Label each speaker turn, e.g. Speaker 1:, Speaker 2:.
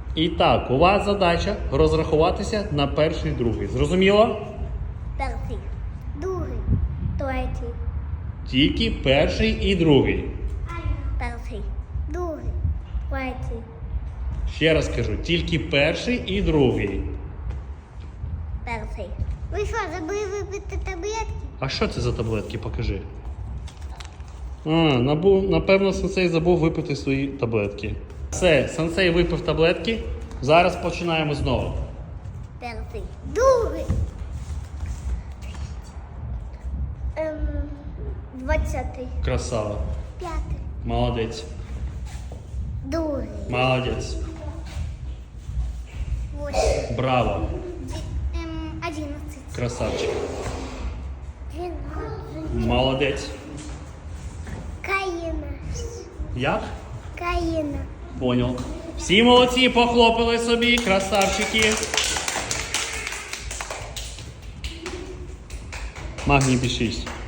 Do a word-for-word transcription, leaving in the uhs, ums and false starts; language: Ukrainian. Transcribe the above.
Speaker 1: І так, у вас задача розрахуватися на перший, другий. Зрозуміло?
Speaker 2: Перший, другий, третій.
Speaker 1: Тільки перший і другий.
Speaker 2: Перший, другий, третій.
Speaker 1: Ще раз кажу, тільки перший і другий.
Speaker 2: Перший. Ви що, забули випити таблетки?
Speaker 1: А що це за таблетки? Покажи. А, набув, напевно, сенсей забув випити свої таблетки. Все, сенсей випив таблетки. Зараз починаємо знову.
Speaker 2: Перший, другий. Ем, двадцятий,
Speaker 1: Красава.
Speaker 2: п'ятий,
Speaker 1: Молодець.
Speaker 2: другий,
Speaker 1: Молодець.
Speaker 2: восьмий,
Speaker 1: Браво.
Speaker 2: ді- ем, одинадцять,
Speaker 1: Красавчик.
Speaker 2: дванадцять.
Speaker 1: Молодець.
Speaker 2: Каїна.
Speaker 1: Як?
Speaker 2: Каїна.
Speaker 1: Понял. Всі молодці, похлопали собі, красавчики. Магній бі шість.